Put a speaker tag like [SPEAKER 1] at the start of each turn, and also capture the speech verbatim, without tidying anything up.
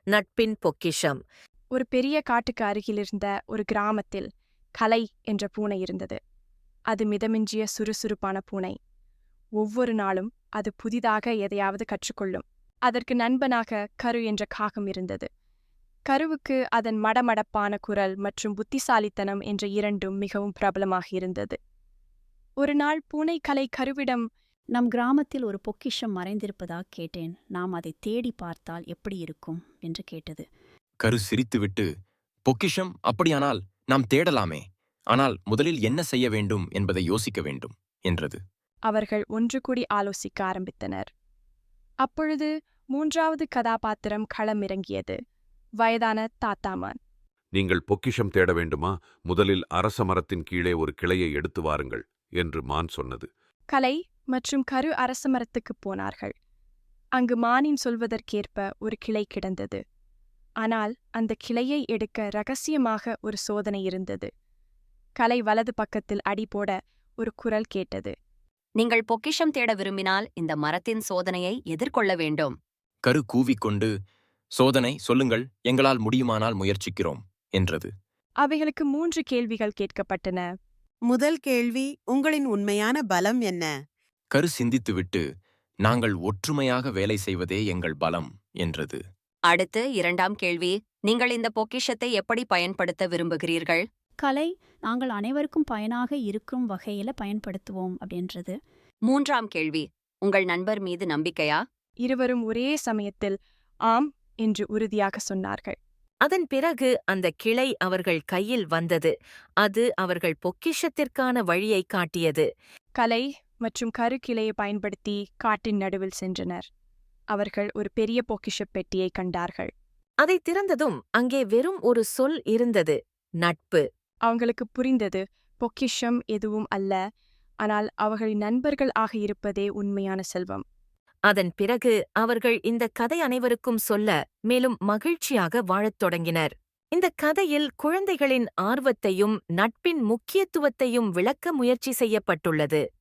[SPEAKER 1] நட்பின் பொக்கிஷம்.
[SPEAKER 2] ஒரு பெரிய காட்டுக்கு அருகிலிருந்த ஒரு கிராமத்தில் கலை என்ற பூனை இருந்தது. அது மிதமிஞ்சிய சுறுசுறுப்பான பூனை. ஒவ்வொரு நாளும் அது புதிதாக எதையாவது கற்றுக்கொள்ளும். அதற்கு நண்பனாக கரு என்ற காகம் இருந்தது. கருவுக்கு அதன் மடமடப்பான குரல் மற்றும் புத்திசாலித்தனம் என்ற இரண்டும் மிகவும் பிரபலமாக இருந்தது. ஒரு நாள் பூனை கலை கருவிடம்,
[SPEAKER 3] நம் கிராமத்தில் ஒரு பொக்கிஷம் மறைந்திருப்பதாக கேட்டேன். நாம் அதை தேடி பார்த்தால் எப்படி இருக்கும் என்று கேட்டது.
[SPEAKER 4] கரு சிரித்துவிட்டு, பொக்கிஷம் அப்படியானால் நாம் தேடலாமே, ஆனால் முதலில் என்ன செய்ய வேண்டும் என்பதை யோசிக்க வேண்டும் என்றது.
[SPEAKER 2] அவர்கள் ஒன்று கூடி ஆலோசிக்க ஆரம்பித்தனர். அப்பொழுது மூன்றாவது கதாபாத்திரம் களமிறங்கியது. வயதான தாத்தாமான்.
[SPEAKER 5] நீங்கள் பொக்கிஷம் தேட வேண்டுமா? முதலில் அரச மரத்தின் கீழே ஒரு கிளையை எடுத்து வாருங்கள் என்று மான் சொன்னது.
[SPEAKER 2] கலை மற்றும் கரு அரசமரத்துக்குப் போனார்கள். அங்கு மானின் சொல்வதற்கேற்ப ஒரு கிளை கிடந்தது. ஆனால் அந்த கிளையை எடுக்க ரகசியமாக ஒரு சோதனை இருந்தது. கலை வலது பக்கத்தில் அடி போட ஒரு குரல் கேட்டது.
[SPEAKER 6] நீங்கள் பொக்கிஷம் தேட விரும்பினால் இந்த மரத்தின் சோதனையை எதிர்கொள்ள வேண்டும்.
[SPEAKER 4] கரு கூவிக்கொண்டு, சோதனை சொல்லுங்கள், எங்களால் முடியுமானால் முயற்சிக்கிறோம் என்றது.
[SPEAKER 2] அவைகளுக்கு மூன்று கேள்விகள் கேட்கப்பட்டன.
[SPEAKER 7] முதல் கேள்வி, உங்களின் உண்மையான பலம் என்ன?
[SPEAKER 4] கரு சிந்தித்துவிட்டு, நாங்கள் ஒற்றுமையாக வேலை செய்வதே எங்கள் பலம் என்றது.
[SPEAKER 6] அடுத்து இரண்டாம் கேள்வி, நீங்கள் இந்த பொக்கிஷத்தை எப்படி பயன்படுத்த விரும்புகிறீர்கள்?
[SPEAKER 3] கலை, நாங்கள் அனைவருக்கும் பயனாக இருக்கும் வகையில பயன்படுத்துவோம் அப்படின்றது.
[SPEAKER 6] மூன்றாம் கேள்வி, உங்கள் நண்பர் மீது நம்பிக்கையா?
[SPEAKER 2] இருவரும் ஒரே சமயத்தில் ஆம் என்று உறுதியாக சொன்னார்கள்.
[SPEAKER 1] அதன் பிறகு அந்த கிளை அவர்கள் கையில் வந்தது. அது அவர்கள் பொக்கிஷத்திற்கான வழியை காட்டியது.
[SPEAKER 2] கலை மற்றும் கரு கிளையை பயன்படுத்தி காட்டின் நடுவில் சென்றனர். அவர்கள் ஒரு பெரிய பொக்கிஷப் பெட்டியை கண்டார்கள்.
[SPEAKER 1] அதை திறந்ததும் அங்கே வெறும் ஒரு சொல் இருந்தது, நட்பு.
[SPEAKER 2] அவங்களுக்கு புரிந்தது, பொக்கிஷம் எதுவும் அல்ல, ஆனால் அவர்களின் நண்பர்கள் ஆக இருப்பதே உண்மையான செல்வம்.
[SPEAKER 1] அதன் பிறகு அவர்கள் இந்த கதை அனைவருக்கும் சொல்ல, மேலும் மகிழ்ச்சியாக வாழத் தொடங்கினர். இந்த கதையில் குழந்தைகளின் ஆர்வத்தையும் நட்பின் முக்கியத்துவத்தையும் விளக்க முயற்சி செய்யப்பட்டுள்ளது.